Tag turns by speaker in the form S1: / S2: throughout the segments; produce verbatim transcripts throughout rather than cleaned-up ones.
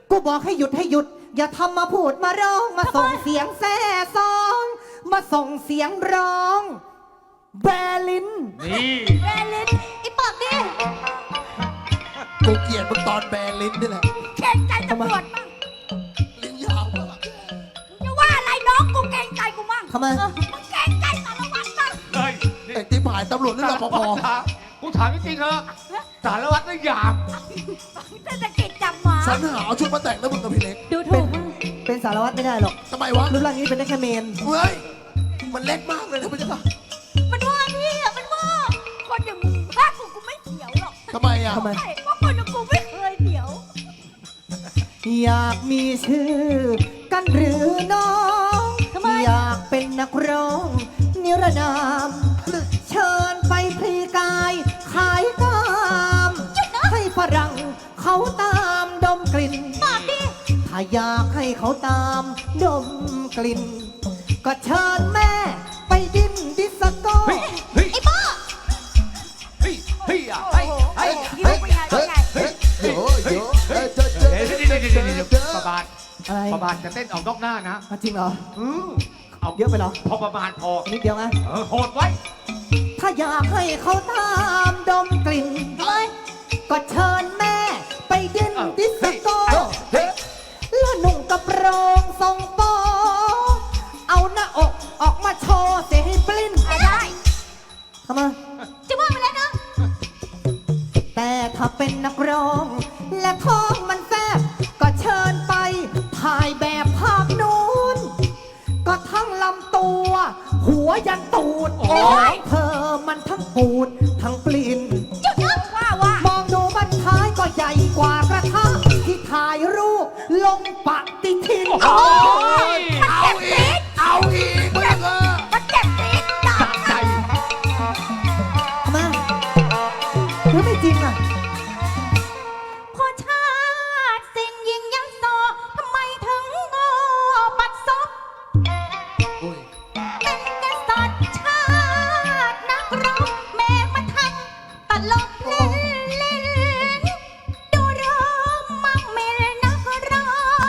S1: กูบอกให้หยุดให้หยุดอย่าทำมาพูดมาร้องมาส่งเสียงแซ่ซองมาส่งเสียงร้องแบลิน
S2: นี่
S3: แบลินไอ้ปากดิ
S4: กูเกลียดมึงตอนแบลิ้นนี่แหละ
S3: เกรงใจตำรวจมั่ง
S4: ลิ้นยาวมาก
S3: มึงจะว่าอะไรน้องกูเกรงใจกูมั่ง
S1: ทำไม
S3: เออมึงเกรงใจสารวัตรมั่ง
S2: เฮ้ย
S4: ไอ้ที่ผ่านตำรวจนี่รปภ
S2: กูถามจริงๆเถอะสารวัตรไม่หยาบ
S3: เศรษฐกิจจับหมา
S4: สันหาเอาชุดมาแต่งแล้วมึงกับพี่เล็ก
S3: ดู
S1: เป็
S3: ถู
S1: น
S3: ก
S1: เป็นสารวัตรไม่ได้หรอก
S4: ทำไมวะ
S1: รูปร่างนี้เป็นได้แค่เมน
S4: เฮ้ยมันเล็กมากเลยนะพี่เจ้าค่ะ
S3: มันว่าพี่อะมันว่าคนอย่างมึงถ้ากูกูไม่เถียวหรอก
S4: ทำไมอ่ะ
S1: ทำไม
S3: ใช่เพราะคนอย่างกูไม่เคยเถียว
S1: อยากมีชื่อกันหรือน้อง
S3: ทำไม
S1: อยากเป็นนักร้องนิรนาม เชิญไปพลีกายขายตามให้ฝรั่งเขาตามดมกลิ่น
S3: ปากดิ
S1: ถ้าอยากให้เขาตามดมกลิ่น ก็เชิญแม่ไปดิ้นดิสโก้
S2: เฮ้ยเฮ้ย
S3: ไอ้บ้า
S2: เฮ้ยเฮ้ยอ่ะ
S3: โอ้
S2: เฮ้ย
S3: โห
S2: เฮ้ย
S3: ยิ้มเป็นไงเป็นไง
S4: เฮ้ยเดี๋ยวเดี๋ยวเฮ้ยเจอเจอ
S2: เดี๋ยวเดี๋ยวเดี๋ยวเดี๋ยวเดี๋ยวประบาท
S1: อะไร
S2: ประบาทจะเต้นออกนอกหน้านะ
S1: อ่ะจริงเหรอ
S2: อือเอา
S1: เยอะไปเหรอ
S2: พอประมาณพอ
S1: นิดเดียวนะ
S2: เออโหดไว้
S1: ถ้าอยากให้เขาตามดมกลิ่น
S3: ทำไม
S1: ก็เชิญแม่ไปดิ้น
S2: เอ้า
S1: ดิสโก้
S4: เฮ้ย
S1: แล้วหนุ่งกระโปรงทรงโปเอาหน้าอกออกมาโชว์เสียให้ปลิ้น
S3: อ่ะได้
S1: ทำไม
S3: จะว่าไปแล้วนะ
S1: แต่ถ้าเป็นนักร้อง และท้องมันแฟบก็เชิญไปถ่ายแบบภาพนู้น ก็ทั้งลำตัว หัวยันตูด
S2: โอ๊ย
S1: เธอมันทั้งปูด ทั้งปลิ้น
S3: จุดนะว่าว่าม
S1: องดูบันท้ายก็ใหญ่กว่ากระทะที่ถ่ายรูปลงปฏิทิน
S2: โอ้ย
S4: เอาอีกเอาอีกมึงเออ
S3: มันเจ็บปี๊ดด่า
S2: สะใจ
S1: ทำไมหรือไม่จริงอ่ะ
S3: พอชาติสิ้นยิงยักษ์โซทำไมถึงโง่ปัดซบ
S4: โอ้ย
S3: เป็นกษัตริย์ชาตินักรบแม่มาทำตลบเล่นเล่นดูเรื่องมั่งเมลนักร้อง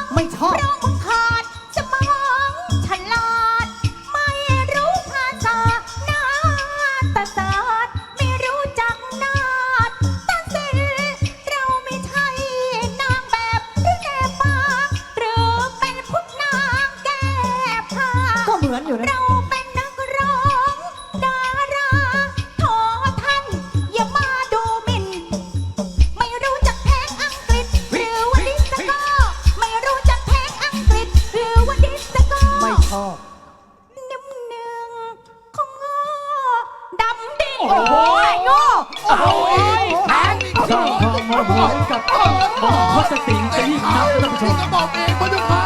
S1: ไม่ชอบ
S3: เพราะมึงขาดสมองฉลาด ไม่รู้ภาษาหน้าตาศาสตร์ไม่รู้จักนาฏตาศิลป์เราไม่ใช่นางแบบหรือแนบฟางหรือเป็นพุทธนางแก้ผ้า
S1: ก็เหมือนอยู่นะ
S3: เราเป็นนักร้องดาราโทท่านอย่ามาดูหมิ่น ไม่รู้จักเพลงอังกฤษหรือว่าดิสโก้ไม่รู้จักเพลงอังกฤษหรือว่าดิสโก้
S1: ไม่ชอบ
S3: น้ำหนึ่งของงอดำดิ่ง
S2: โอ้โห
S3: โง่
S2: เอาอีกแทง
S5: สร้างความโมโหให้กับหมอพสติงซะยิ่งนักท่านผู้ชม
S4: ก็บอกเองพระเจ้าค่ะ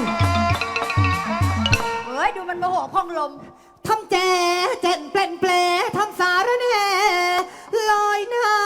S3: เฮ้ยดูมันโมโหพองลม
S1: ทำแจเจนเปลนเปลทำสารแหน่ลอยหน้า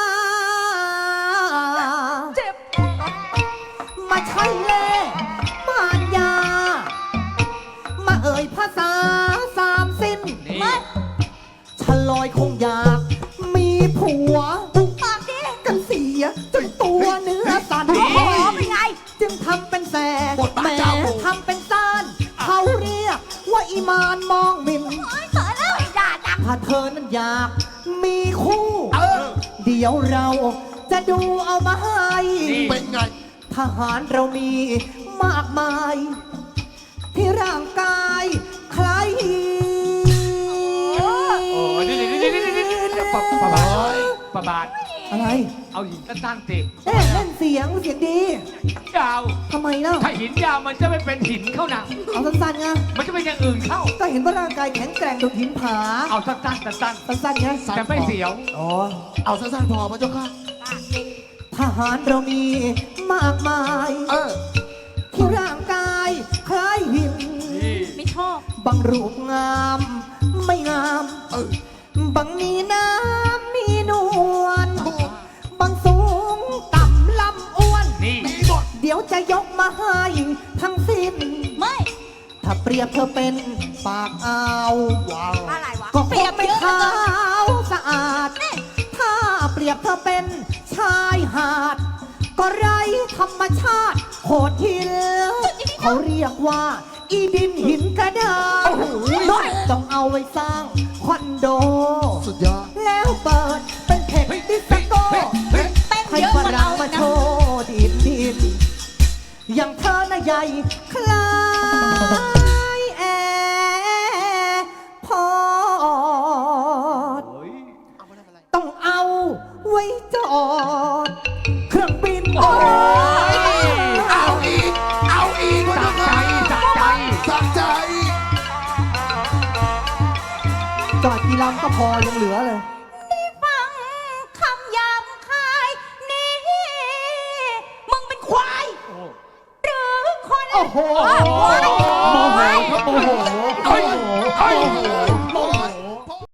S3: เจ็บ
S1: มาใช่เล่มารยา มาเอ่ยภาษาสามสิ้น
S2: นี่
S3: มา
S1: ฉลอยคงอยาก มีผัว
S3: ปากดิ
S1: กันเสียจนตัวเนื้อสั่น
S3: โอ้โหเป็นไง
S1: จึงทำเป็นแส
S4: บทบาท
S1: แหม่
S4: เจ้าหมู่
S1: ทำเป็นซ่านเขาเรียกว่าอีมานมองหมิน
S3: โอ้ยเสือแล้วไอ้ด่าจัง
S1: ถ้าเธอนั้นอยากมีคู่
S4: เออ
S1: เดี๋ยวเราจะดูเอามาให้
S2: นี่
S4: เป็นไง
S1: ทหารเรามีมากมาย ที่ร่างกายคล้ายหิน
S2: โอ้ยนี่นี่นี่นี่นี่นี่ประประบาทประบาท
S1: อะไร
S2: เอาหินสั้นๆสิ
S1: เอ๊ะเล่นเสียงเสียงดี
S2: ยาว
S1: ทำไมเล่า
S2: ถ้าหินยาวมันจะไม่เป็นหินเข้านะ
S1: เอาสั้นๆไง
S2: มันจะเป็นอย่างอื่นเข้า
S1: ก็เห็นว่าร่างกายแข็งแกร่งดุจหินผา
S2: เอาสั้นๆสั้น
S1: สั้นๆไง
S2: ๆแต่ไม่เสียว
S1: อ๋อ
S4: เอาสั้นๆพอพระเจ้าค่ะ
S1: ทหารเรามีมากมาย
S4: เออ
S1: ที่ร่างกายคล้ายหิน
S2: นี่
S3: ไม่ชอบ
S1: บางรูปงาม ไม่งาม
S4: เออ
S1: บางมีน้ำมีนวล
S4: ถูก
S1: บางสูงต่ำลำอ้วน
S2: นี่
S4: มีหมด
S1: เดี๋ยวจะยกมาให้ทั้งสิ้น
S3: ไม่
S1: ถ้าเปรียบเธอเป็นปากอ่าว
S4: ว้าว
S3: อะไรวะ
S1: ก็ค
S3: เปรี
S1: ง
S3: ยบ
S1: ไม่
S3: เยอะ
S1: ขาวสะอาด ถ้าเปรียบเธอเป็นชายหาด ก็ไร้ธรรมชาติหดหินเขาเรียกว่า อีดินหินกระดานต้องเอาไว้สร้างคอนโด
S4: สุดยอด
S1: แล้วเปิดเป็นเพจดิสโก้
S3: เต้น
S1: ให้
S3: เยอะ
S1: ฝ
S3: กว่า
S1: รั่
S3: เรา
S1: งมา
S3: นะ
S1: โชว์ดินดินอย่างเธอน่ะใหญ่คล้ายแอร์พอร์ตต้องเอาไว้จอดเครื่องบินโอ้ย
S4: เอาอีก เอาอีก
S2: จับใจจับใจ
S4: สักใจ
S1: จอดกี่ลำก็พอยังเหลือเลย
S3: ฟังคำหยาบคายนี่ มึงเป็นควาย หรือคน
S1: โอ้โห
S3: ควาย
S5: โมโหครับโมโหโมโห
S2: เฮ้ยเฮ้ย